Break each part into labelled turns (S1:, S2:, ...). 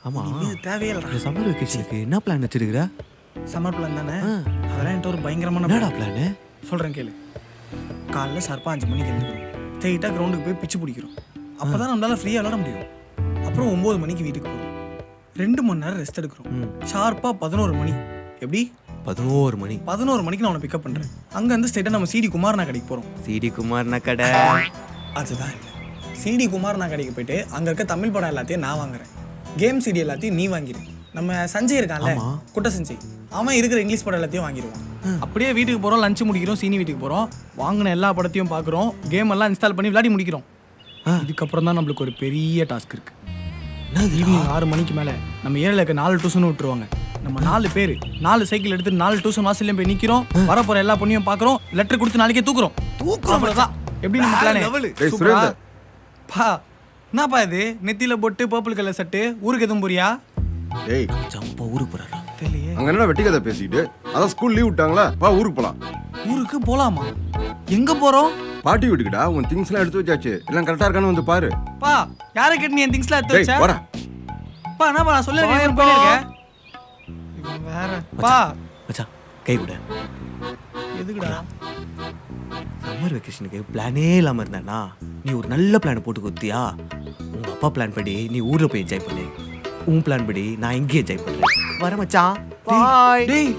S1: ஆமா
S2: இது தேவையில்லடா.
S1: இந்த சம்மர் வெக்கேஷனுக்கு என்ன பிளான் வச்சிருக்கிற?
S2: சம்மர் பிளான் தானே. அதெல்லாம் என்கிட்ட ஒரு பயங்கரமான
S1: என்னடா பிளான்?
S2: சொல்கிறேன் கேளு. காலைல ஷார்ப்பாக 5 மணிக்கு எழுந்துக்கிறோம். ஸ்ட்ரெயிட்டாக கிரவுண்டுக்கு போய் பிச்சு பிடிக்கிறோம். அப்போ தான் நம்மளால் ஃப்ரீயாக விளாட முடியும். அப்புறம் 9 மணிக்கு வீட்டுக்கு போகிறோம். 2 மணி நேரம் ரெஸ்ட் எடுக்கிறோம். ஷார்ப்பாக 11 மணி. எப்படி?
S1: 11 மணி.
S2: 11 மணிக்கு நான் உன்னை பிக்கப் பண்ணுறேன். அங்கேருந்து ஸ்ட்ரெயிட்டாக நம்ம சிடி குமாரனா கடைக்கு போகிறோம்.
S1: சிடி குமாரனா கடை?
S2: அதுதான் இல்லை. சிடி குமாரனா கடைக்கு போயிட்டு அங்கே இருக்க தமிழ் படம் எல்லாத்தையும் நான் வாங்குறேன். கேம் சிடி எல்லாத்தையும் நீ வாங்கிடு. நம்ம சஞ்சய் இருக்கான்ல, குட்ட சஞ்சய், அவன் இருக்கிற இங்கிலீஷ் படம் எல்லாத்தையும் வாங்கிடுவான். அப்படியே வீட்டுக்கு போகிறோம், லஞ்சு முடிக்கிறோம், சீனி வீட்டுக்கு போகிறோம், வாங்கின எல்லா படத்தையும் பார்க்குறோம், கேம் எல்லாம் இன்ஸ்டால் பண்ணி விளையாடி முடிக்கிறோம். இதுக்கப்புறம் தான் நம்மளுக்கு ஒரு பெரிய டாஸ்க் இருக்கு. ஈவினிங் 6 மணிக்கு மேலே நம்ம ஏரியாவில் இருக்க 4 டியூஷன் விட்டுருவாங்க. நம்ம 4 பேர் 4 சைக்கிள் எடுத்து 4 டியூஷன் வாசல்லையும் போய் நிற்கிறோம். வரப்போகிற எல்லா பொண்ணையும் பார்க்குறோம், லெட்டர் கொடுத்து நாளைக்கே தூக்குறோம். அவ்வளோதான். எப்படி நம்ம பிளானே? பா என்னப்பா இது? நெத்தியில போட்டு பர்பிள் கலர் சட்டு. ஊருக்கு எதுவும் போறியா?
S3: டேய்
S1: ஜம்பா ஊருக்கு போறாரா?
S2: தெரியலையே.
S3: அங்க என்ன வெட்டி கதை பேசிட்டு? அதான் ஸ்கூல் லீவ் விட்டாங்களா, வா ஊருக்கு போலாம்.
S2: ஊருக்கு போலாமா? எங்க போறோம்?
S3: பாட்டி வீட்டுக்குடா. உன் திங்ஸ் எல்லாம் எடுத்து வச்சாச்சு, எல்லாம் கரெக்டா இருக்கான்னு வந்து பாரு.
S2: பா யாரை கேட்டு நீ என் திங்ஸ்லாம் எடுத்து
S3: டேய்
S2: வச்ச?
S3: வரேன்.
S2: பா என்னப்பா நான் சொல்ல போயிருக்கேன். வேற பா
S1: மச்சான் கை விட.
S2: எதுக்குடா?
S1: சம்மர் வெக்கேஷனுக்கு பிளானே இல்லாம இருந்தானா நீ ஒரு நல்ல பிளான் போட்டு கொடுத்தியா? உங்க அப்பா பிளான் படி நீ ஊர்ல போய் என்ஜாய் பண்ணு, உன் பிளான் படி நான் இங்கே என்ஜாய் பண்றேன். வர மச்சான். பாய்.
S2: டேய்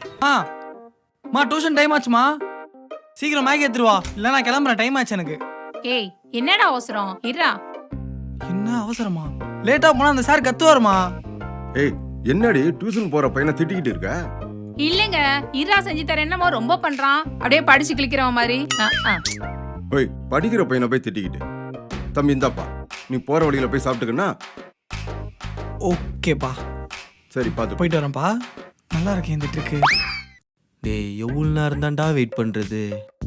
S2: மா டியூஷன் டைம் ஆச்சுமா, சீக்கிரம் மேகி எடுத்துருவா, இல்ல நான் கிளம்புறேன். டைம் ஆச்சு எனக்கு.
S4: ஏய் என்னடா அவசரம்? இருடா.
S2: என்ன அவசரமா? லேட்டா போனா அந்த சார் கத்துவாருமா.
S3: ஏய் என்னடி டியூஷன் போற பையனை திட்டிக்கிட்டு இருக்க?
S4: இல்லங்க, இருடா செஞ்சு தரேன். என்னமோ ரொம்ப பண்றான், அப்படியே படிச்சு கிளிக்கிறவன் மாதிரி.
S3: ஓய் படிக்கிற பையனை போய் திட்டிக்கிட்டு. தம்பி இந்தாப்பா, நீ போற வழியில போய் சாப்பிட்டுக்கன்னா.
S2: ஓகேப்பா
S3: சரி பார்த்து
S2: போயிட்டு வரேன்ப்பா. நல்லா இருக்கேன் இந்த ட்ரிக்கு.
S1: டேய் எவ்வளவு நேரம் தான்டா வெயிட் பண்றது?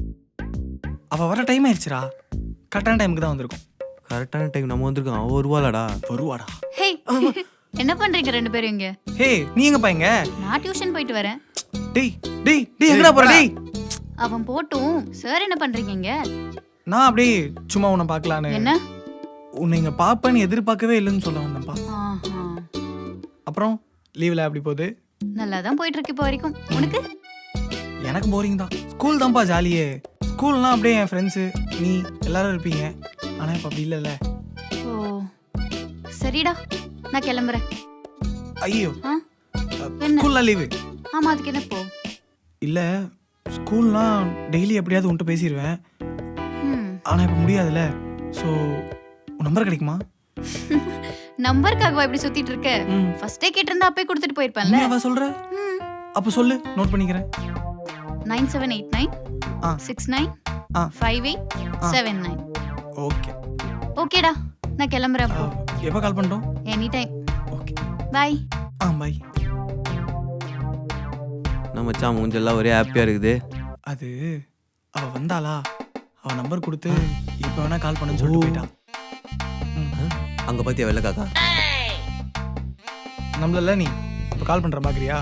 S2: அவ வர டைம் ஆயிடுச்சுடா. கரெக்டான டைமுக்கு தான் வந்திருக்கும்.
S1: கரெக்டான டைம் நம்ம வந்திருக்கோம். அவ வருவாளடா?
S2: வருவாடா.
S4: ஹே என்ன பண்றீங்க 2 பேரும் இங்க?
S2: ஹே நீ எங்க பையங்க?
S4: நான் டியூஷன் போயிட்டு வரேன்.
S2: டேய் டேய் டேய் எங்கடா போற? டேய்
S4: அவன் போட்டும். சார் என்ன பண்றீங்க இங்க?
S2: நான் அப்படியே சும்மா உன்னை பார்க்கலான்னு.
S4: என்ன?
S2: உன்னை இங்க பாப்பேன்னு எதிர்பார்க்கவே இல்லைன்னு சொல்ல வந்தேன்ப்பா.
S4: ஆஹா.
S2: அப்புறம் லீவ்ல அப்படி போகுது?
S4: நல்லா தான் போயிட்டு இருக்கு இப்போ வரைக்கும். உனக்கு?
S2: எனக்கு போரிங் தான். ஸ்கூல் தான்ப்பா ஜாலியே. ஸ்கூல்னா அப்படியே என் ஃப்ரெண்ட்ஸு நீ எல்லாரும் இருப்பீங்க. ஆனா இப்போ அப்படி இல்லைல்ல.
S4: ஓ சரிடா, நான் கிளம்புறேன்.
S2: ஐயோ
S4: என்ன?
S2: ஸ்கூல்லாம் லீவு?
S4: ஆமா, அதுக்கு என்ன போ?
S2: இல்ல ஸ்கூல்லாம் டெய்லி எப்படியாவது உன்ட்டு பேசிடுவேன். ஆனா இப்போ முடியாதுல்ல. ஸோ உன் நம்பர் கிடைக்குமா?
S4: நம்பருக்காகவா இப்படி சுத்திட்டு இருக்க? ஃபர்ஸ்டே கேட்டிருந்தா அப்பே கொடுத்துட்டு போயிருப்பேன்ல.
S2: அவ சொல்ற? அப்ப சொல்லு, நோட் பண்ணிக்கிறேன்.
S4: 9789 69 5879.
S2: ஓகே
S4: ஓகேடா, நான் கிளம்புறேன். அப்போ
S2: எப்போ கால் பண்ணிட்டோம்?
S4: Any time.
S2: Okay
S4: bye.
S2: Bye.
S1: நம்ம மச்சான் மூஞ்செல்லாம் ஒரே ஹாப்பியா இருக்குது.
S2: அது அவ வந்தாளா, அவ நம்பர் கொடுத்து இப்போ வேணா கால் பண்ணுன்னு சொல்லிட்டு போயிட்டான்.
S1: அங்க பாத்தியா வெள்ள காக்கா?
S2: நம்மள நீ இப்போ கால் பண்ற பாக்குறியா?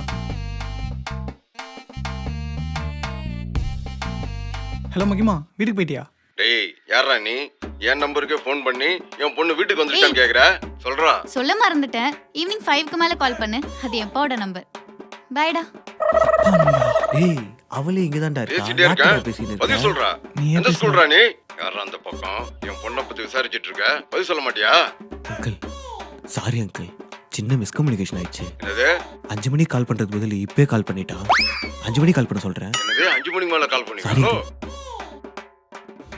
S2: ஹலோ மகிமா, வீட்டுக்கு போயிட்டியா?
S3: டேய் யாரா நீ? என் நம்பருக்கே ஃபோன் பண்ணி என் பொண்ணு வீட்டுக்கு வந்துட்டான்னு கேக்குற? சொல்றா.
S4: சொல்ல மறந்துட்டேன். ஈவினிங் 5க்கு மேல கால் பண்ணு. அது எப்பாவோட நம்பர். பாய்டா.
S1: டேய் அவளே இங்க தான்டா
S3: பேசிட்டே இருக்கா? பதில் சொல்றா.
S2: நீ
S3: எந்த ஸ்கூல்ரா நீ? யாரா அந்த பக்கம் என் பொண்ணை பத்தி விசாரிச்சிட்டு இருக்க? பதில் சொல்ல மாட்டியா?
S1: அங்கிள் சாரி அங்கிள், சின்ன மிஸ்கம்யூனிகேஷன் ஆயிடுச்சு.
S3: என்னது?
S1: 5 மணிக்கு கால் பண்றதுக்கு பதில் இப்பவே கால் பண்ணிட்டா. 5 மணிக்கு கால் பண்ண சொல்றேன்.
S3: என்னது 5 மணிக்கு மேல கால்
S1: சாரி
S3: பண்ணி?